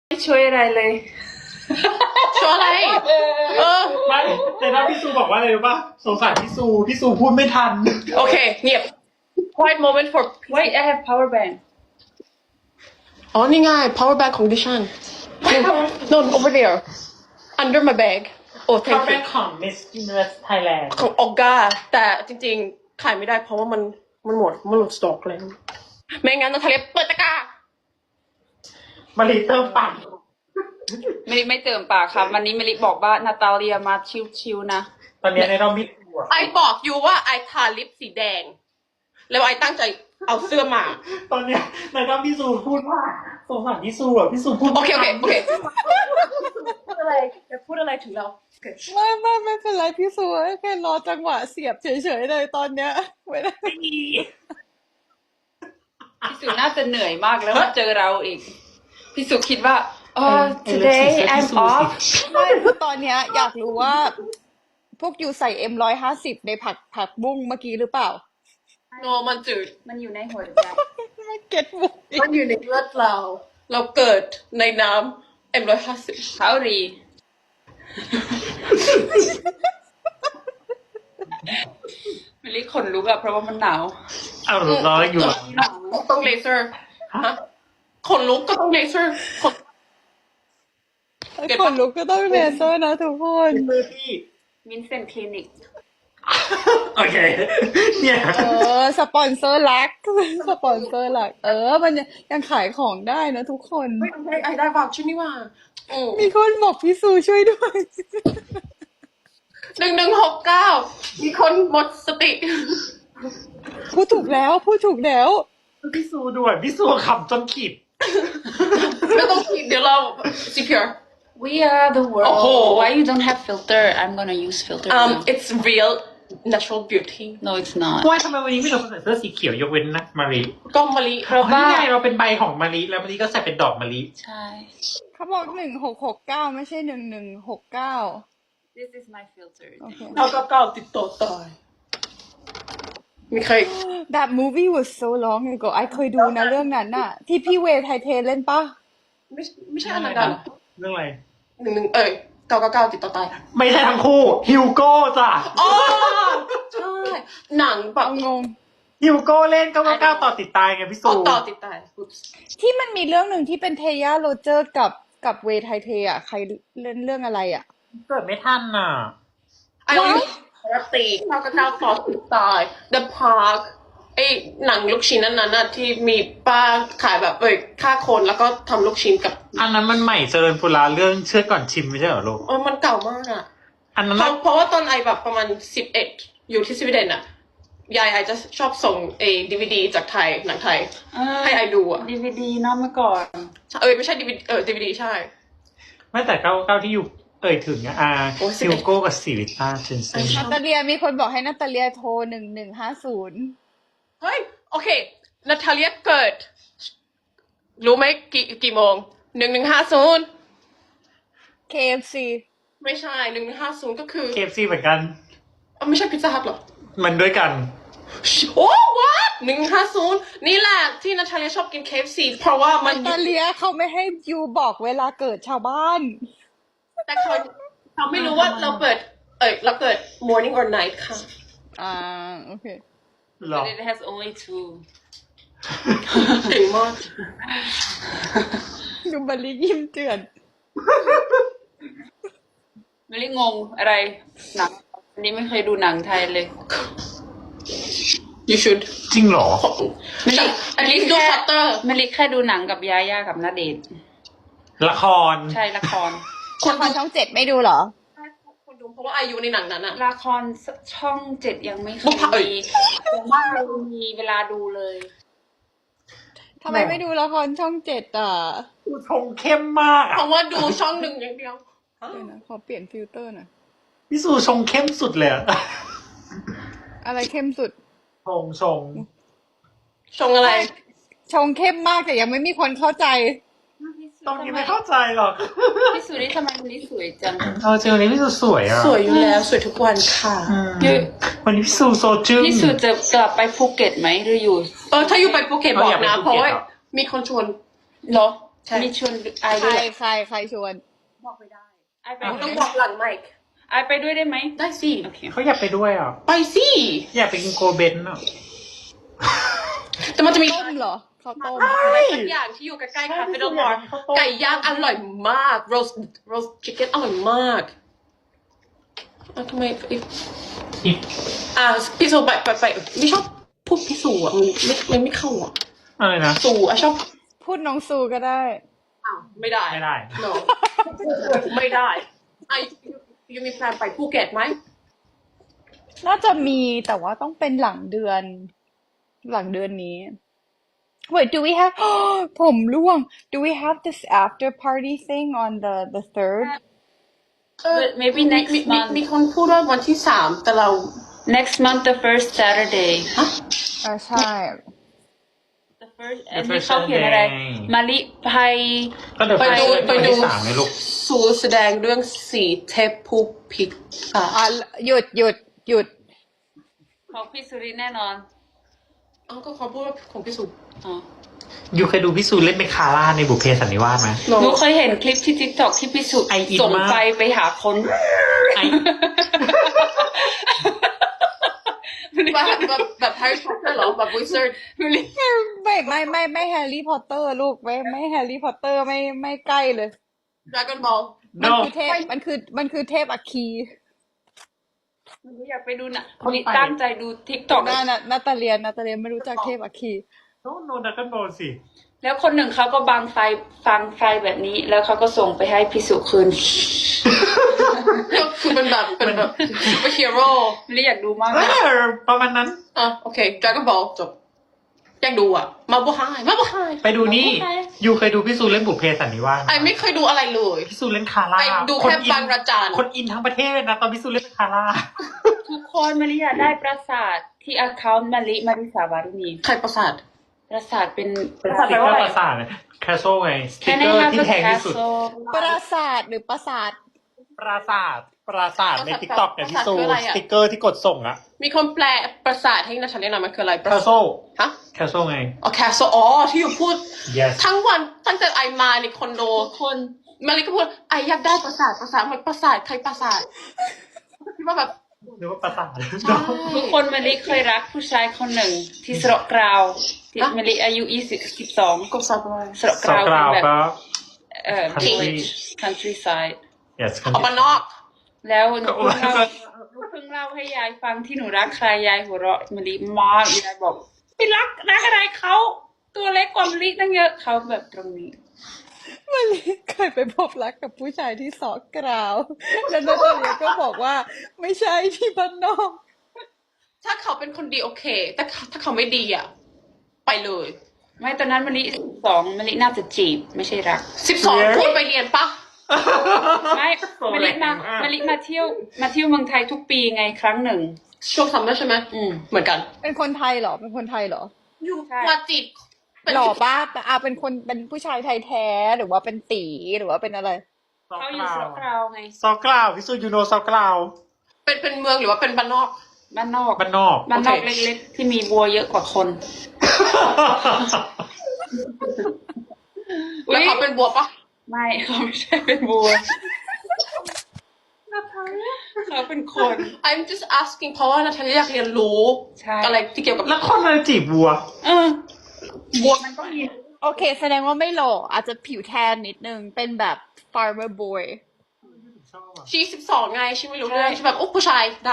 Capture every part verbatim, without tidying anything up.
ไม่ช่วยอะไรเลยช่วยอะไรเออไม่แต่ถ้าพี่ซูบอกว่าอะไรรู้ป่ะสงสารพี่ซูพี่ซูพูดไม่ทันโอเคเงียบ quiet moment for Wait, I have power bank. อ๋อนี่ไง power bank ของดิฉัน no over there under my bag โอ้เขา thank เป็ you นของ Miss Universe Thailand ของออกาแต่จริงๆ ขายไม่ได้เพราะว่ามันมันหมดมันหมดสต็อกแล้วไม่งั้นนาทาเลียเปิดตะกร้ามารีเติมปั่นไม่ไม่เติมปากครับวันนี้เมลิบอกว่านาตาเลียมาชิวๆนะตอนนี้ในรอบมิดตัวไอบอกอยู่ว่าไอทาลิปสีแดง แล้วไอตั้งใจเอาเสื้อมาตอนเนี้ยในรอบพี่ซูพูดว่าสงสารพี่ซูอ่ะพี่ซูพูดโอเคโอเคไม่ทันโอเคพูดอะไรจะพูดอะไรถึงเราไม่ไม่ไม่เป็นไรพี่ซูแค่รอจังหวะเสียบเฉยๆเลยตอนเนี้ยไม่ได้ไม่มีพี่สุน่าจะเหนื่อยมากแล้วมาเจอเราอีก พี่สุคิดว่าอ๋อ today I'm off ไม่คือตอนเนี้ยอยากรู้ว่า พวกอยู่ใส่เอ็มร้อยห้าสิบในผักผักบุ้งเมื่อกี้หรือเปล่าโนมันจืดมันอยู่ในหัวใจไม่เก็ตบุกมันอยู่ในเลือดเรา เราเกิดในน้ำเอ็มร้อยห้าสิบเขารี เมลิขนลุกอะเพราะว่ามันหนาวอ้าวรออยู่เหรอต้องเลเซอร์ฮะขนลุกก็ต้องเลเซอร์ขน เก็ตคปะนลุกก็ต้องเลเซอร์นะทุกคนมือพี่วินเซนต์คลินิกโอเคเนี่ยเออสปอนเซอร์หลักสปอนเซอร์หลัก เออ มันยังยังขายของได้นะทุกคนเฮ้ยไอไอได้ฝากชื่อนี่ว่าอืมมีคนบอกพี่ซูช่วยด้วยหนึ่งหนึ่งหกเก้ามีคนหมดสติพูดถูกแล้วพูดถูกแล้วพี่ซูด้วยพี่ซูขำจนขีดไม่ต้องคิดเดี๋ยวเรา ซี พี อาร์ We are the world โอ้โห Why you don't have filter I'm gonna use filter um now. it's real natural beauty No it's not ว่าทำไมวันนี้ไม่เราใส่เสื้อสีเขียวยกเว้นนะมารีก็มะลิเพราะนี่ว่าไงเราเป็นใบของมารีแล้วมารีก็ใส่เป็นดอกมารีใช่เขาบอกหนึ่งหกหกเก้าไม่ใช่หนึ่งหนึ่งหกเก้า This is my filter โอเคเราก็เก้าติดต่อตายมีใคร That movie was so long ago ไอเคยดูนะเรื่องนั้นน่ะ ที่พี่เวย์ไทเทเล่นปะไม่ไม่ใช่อันนั้นกันเหรอเรื่องอะไรหนึ่งหนึ่งเอ้ยเก้าเก้าเก้าติดต่อตายไม่ใช่ทั้งคู่ฮิวโก้จ้ะอ๋อใช่หนังแบบเอางงฮิวโก้เล่นเก้าเก้าเก้าต่อติดตายไงพี่ซูอ๋อต่อติดตาย Oops ที่มันมีเรื่องหนึ่งที่เป็นเทย่าโรเจอร์กับกับเวย์ไทเทอ่ะ ใครเล่นเรื่องอะไรอ่ะเกิดไม่ทันน่ะไอ้รักตีเก้าเก้าเก้าต่อติดตาย The Park ไอ้หนังลูกชิ้นนั้นน่ะที่มีป้าขายแบบเอ้ยฆ่าคนแล้วก็ทำลูกชิ้นกับอันนั้นมันใหม่เจริญปุราเรื่องเชื่อก่อนชิมไม่ใช่เหรอลูกเออมันเก่ามากอ่ะอันนั้นเพน่ะราะเพราะว่าตอนไอแบบประมาณสิบเอ็ดอยู่ที่สวีเดนอ่ะ ยายไอจะชอบส่งเอดีวีดีจากไทยหนังไทย ให้ไอดูอ่ะดีวีดีเนาะเมื่อก่อนเออไม่ใช่ดีวีเออดีวีดีใช่ไม่แต่เก้าเก้าที่อยู่เอ่ยถึงอะอ่าโอ้ยสิบฮิเอ็วดโก้กับสิริต้าเชนเซนนาตาเลียมีคนบอกให้นาตาเลียโทรหนึ่งหนึ่งห้าศูนย์เฮ้ย โอเคนาทาเลียเกิด รู้ไหมกี่กี่โมงหนึ่งหนึ่งห้าศูนย์เค เอฟ ซีไม่ใช่หนึ่งหนึ่งห้าศูนย์ก็คือเคเอฟซีเหมือนกันเอ้าไม่ใช่พิซซ่าฮัทหรอมันด้วยกันโอ้วัดหนึ่งห้าศูนย์นี่แหละที่นาทาเลียชอบกิน เค เอฟ ซี เพราะว่ามันนาตาเลียเขาไม่ให้ยูบอกเวลาเกิดชาวบ้านแต่เขาเขาไม่รู้ว่าเราเปิด เอ้ยเราเกิด morning or night ค่ะอ่า โอเคหรอ But it has only two เก่งมากดูบริยิ้มเจือนเมลิงงอะไรหนังอันนี้ไม่เคยดูหนังไทยเลย you should จริงเหรอไม่ใช่อันนี้ดูชัตเตอร์เมลิแค่ดูหนังกับยาย่ากับณเดชน์ละครใช่ละครละครช่องเจ็ดไม่ดูเหรอคนดูเพราะว่าอายุในหนังนั้นอะละครช่องเจ็ดยังไม่เคบุยพเพเอ้ยมีแต่ว่าเรามีเวลาดูเลยทำไมไม่ดูละครช่องเจ็ดอ่ะดูชงเข้มมากเพอะราะว่าดูช่องหนึ่งอย่างเดียวเดี๋ยวนะขอเปลี่ยนฟิลเตอร์หน่อยพี่สูชงเข้มสุดเลยอะอะไรเข้มสุดชงชงชงอะไรชงเข้มมากแต่ยังไม่มีคนเข้าใจตรงนี้ไม่เข้าใจหรอกพี่สุริทำไมวันนี้สวยจังเออจริงวันนี้พี่สูสวยอะสวยอยู่แล้ว สวยทุกวันค่ะอืมวันนี้พี่สูโซจึ้งพี่สุจะกลับไปภูเก็ตไหมหรืออยู่เออถ้าอยู่ไปภูเก็ตเออบอกอยากไปนะภูเพราะเก็ตว่าเหรอมีคนชวนเหรอใช่มีชวนไอใครด้วยใครใครชวนบอกไม่ได้ไอไปต้องบอกหลังไมค์ไอไปด้วยได้ไหมได้สิโอเคเขาอยากไปด้วยอ่ะไปสิอยากไปกินโกเบนอ่ะแต่มันจะมีต้มเหรอข้าวต้มอะไรสักอย่างที่อยู่ใกล้ๆคาเฟ่ดอลมอร์ไก่ย่างอร่อยมาก roast roast chicken อร่อยมากอ่ะทำไมอีกอีกอ่ะพี่สูไปไปไปไม่ชอบพูดพี่สูอ่ะมันไม่มันไม่เข้าอ่ะอะไรนะสูอ่ะชอบพูดน้องซูก็ได้อ้าวไม่ได้ไม่ได้ no ไม่ได้ไอยูมีแพลนไปภูเก็ตไหมน่าจะมีแต่ว่าต้องเป็นหลังเดือน หลังเดือนนี้ Wait, do we have ผมร่วง Do we have this after party thing on the the third? เออ maybe มี next มีมี month มีคนพูดว่าวันที่สามแต่เรา next month the first Saturday ฮะอ่าใช่ the first The อันนี้ first เขาเขียนอะไร Saturday มาลิไพก็เดี๋ยวไปดูไปไปวันดูที่สามเลยลูกสูแสดงเรื่องสีเทพผู้พิกอ่ะอ่ะหยุดหยุดหยุดของพี่สุรินทร์แน่นอนเอ้าก็เขาพูดว่าของพี่สุอ๋อยูเคยดูพี่ซูเล่นเป็นคาร่าในบุพเพสันนิวาสไหมโนหนูเคยเห็นคลิปที่ TikTok ที่พี่สุไออินส่งมากไฟไปหาคนไอแบบแบบแบบแฮร์รี่พอตเตอร์เหรอแบบวิเซอร์ไม่ไม่ไม่ไม่แฮร์รี่พอตเตอร์ลูกไม่ไม่แฮร์รี่พอตเตอร์ไม่ไม่ใกล้เลยดราก้อนบอลมัน No คือเทพมันคือมันคือเทพอัคคีหนูอยากไปดูนะวันนี้ตั้งใจดู TikTok นานานาตาเลียนนาตาเลียนไม่รู้จักเทพอัคคีโนโนดักกันบอลสิแล้วคนหนึ่งเขาก็บังไฟฟังไฟแบบนี้ แล้วเขาก็ส่งไปให้พี่สุคืนก็คือเป็นแบบเป็นแบบซูเปอร์ฮีโร่ไม่ได้อยากดูมากเอนะอประมาณนั้นอ่ะโอเคดราก้อนบอลจบอยากดูอ่ะ มาบูไฮมาบูไฮไปดูนี่ยูเคยดูพี่ซูเล่นบุพเพสันนิวาสไหมไอไม่เคยดูอะไรเลยพี่ซูเล่นคาร่าไปดูคนแค่อินบางระจันคนอินทั้งประเทศเลยนะตอนพี่ซูเล่นเป็นคาร่าทุกคนมาริยาได้ปราสาทที่ account มาริมาริสาวารุณีใครประสาทปราสาทเป็นเป็นสติกเกอร์ประสาทแคสโซ่ไงสติก Can เก I อร์ have ที่ a แพงที่สุด castle ปราสาทหรือปราสาทปราสาทปราสาทในปราสาททิกตอกเนี่ยพี่ซูปราสาทคืออะไรสอะติกเกอร์ที่กดส่งอะมีคนแปลประสาทให้นัชชันเรียนหน่อยมันคืออะไรแคสโซ่ฮะแคสโซ่ไงอ๋อแคสโซอ๋อที่อยู่พูด yes ทั้งวันตั้งแต่ไอมาในคอนโดทุกคนมาริก็พูดไออยากได้ประสาทประสาทเหมือนประสาทใครประสาทคิดว่าแบบหรือว่าปราสาททุกคนมาริเคยรักผู้ชายคนหนึ่งที่สระกราวที่มาริอายุยี่สิบสิบสองกบสับอะไรสระกสาวราวกราวเป็นแบบก็เอ่อ Country village countryside yes ออกมานอกแล้วหนูก็เพิ่งเล่าหนูเพิ่งเล่าให้ยายฟังที่หนูรักใครยายหัวเราะมาริมากยายบอกไม่รักรักอะไรเขาตัวเล็กกว่ามาริตั้งเยอะเขาแบบตรงนี้มาลีเคยไปพบรักกับผู้ชายที่สอกกราว แล้วนาตาเลียก็บอกว่าไม่ใช่ที่บ้านนอกถ้าเขาเป็นคนดีโอเค แต่ถ้าเขาไม่ดีอ่ะ ไปเลยไม่ตอนนั้นมาริสิบสองมาริน่าจะจีบไม่ใช่รักสิบสองควรไปเรียนปะไม่มาริมามาริมาเที่ยวมาเที่ยวเมืองไทยทุกปีไงครั้งหนึ่งช่วงซัมเมอร์ใช่ไหมอืมเหมือนกันเป็นคนไทยเหรอ เป็นคนไทยเหรออยู่ใช่มาจีบเป็นหล่อป้าอ่าเป็นคนเป็นผู้ชายไทยแท้หรือว่าเป็นตีหรือว่าเป็นอะไรเขาอยู่สระกราวไงซอกกราวพี่ซูยูโนซอกกราวเป็นเป็นเมืองหรือว่าเป็นบ้านนอกบ้านนอกบ้านนอกบ้านนอกโอเคเล็กๆที่มีวัวเยอะกว่าคนแล้วเขาเป็นบัวปะไม่ เขาไม่ใช่เป็นวัวเขาเป็นคน I'm just asking เพราะว่านาทาลีอยากเรียนรู้ใช่อะไรที่เกี่ยวกับแล้วคนอะไรจีบวัวเออบัวมันก็มีโอเค แสดงว่าไม่หล่ออาจจะผิวแทนนิดนึง เป็นแบบ farmer boy ชีสิบสองไงชีไม่รู้เรื่องชีแบบโอ้ผู้ชายได้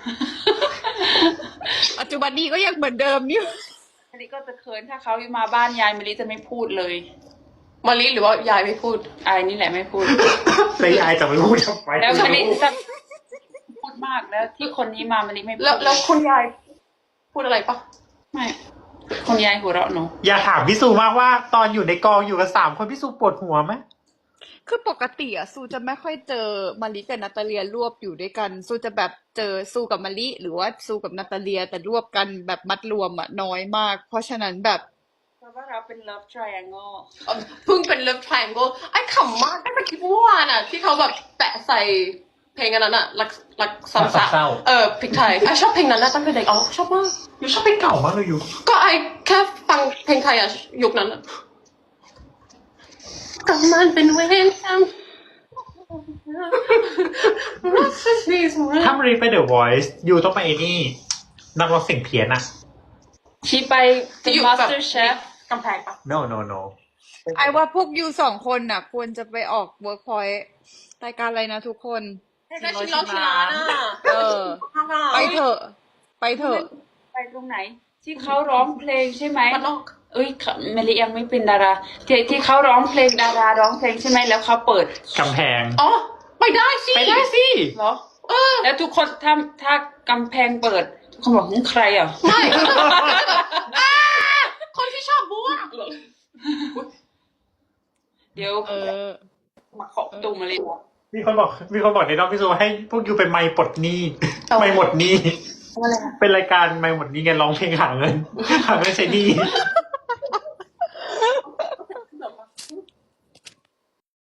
ปัจจุบันนี้ก็ยังเหมือนเดิมนี่มาริก็จะเขินถ้าเขามาบ้านยายมาริจะไม่พูดเลยมาลีหรือว่ายายไม่พูดอายนี่แหละไม่พูดแล้วยายจะไม่พูดทำไมแล้วมาริจะพูดมากแล้วที่คนนี้มามาริไม่พูดแล้วแล้วคุณยายพูดอะไรปะไม่คนยายหัวเราะหนูอย่าถามพี่ซูมากว่าตอนอยู่ในกองอยู่กันสามคนพี่ซูปวดหัวไหมคือปกติอะซูจะไม่ค่อยเจอมาริกับนาตาเลียรวบอยู่ด้วยกันซูจะแบบเจอซูกับมาริหรือว่าซูกับนาตาเลียแต่รวบกันแบบมัดรวมอะน้อยมาก เพราะฉะนั้นแบบเพราะว่าเราเป็น love triangle เอ่อเพิ่งเป็น Love Triangle ไอ้ขำมากตั้งแต่คลิปเมื่อวานอ่ะ ที่เขาแบบแปะใส่เพลงอันนั้นอ่ะรักรักสามสาวเออพริกไทยไอ้ชอบเพลงนั้นนะตั้งแต่เด็กอ๋อชอบมากยูชอบเพลงเก่ามากเลยยูก็ไอ้แค่ฟังเพลงไทยอ่ะยุคนั้นอะก็มันเป็นเวรกรรมรักสักทีสมัยถ้ามารีไปเดอะวอยซ์ยูต้องไปไอ้นี่นักร้องเสียงเพี้ยนอะที่ไปจะอยู่มาแบสบเตอร์เชฟกำแพงปะ no no no ไอว่าพวกยูสองคนน่ะ ควรจะไปออกเวิร์กพอยต์รายการอะไรนะทุกคนได้ชิมร้อนชิมร้านอ่ะเออ ไปเถอะ ไปเถอะไปตรงไหน ที่เขาร้องเพลงใช่ไหมมันนอกเอ้ยเมลียังไม่เป็นดาราที่ที่เขาร้องเพลงดาราร้องเพลงใช่ไหมแล้วเขาเปิดกำแพงอ๋อไปได้สิไปได้สิเหรอเออแล้วทุกคนถ้าถ้ากำแพงเปิดทุกคนบอกหึใครอ่ะไม่ อ่าคนที่ชอบบัวเหรอเดี๋ยวเออมาเคาะประตูมาเลยบอกมีคนบอกมีคนบอกในน้องพี่ซูให้พวกยูเป็นไมค์ปลดหนี้เอาไมค์หมดหนี้อะไรอะเป็นรายการไมค์หมดหนี้ไงร้องเพลงหาเงิน หาเงินใช้หนี้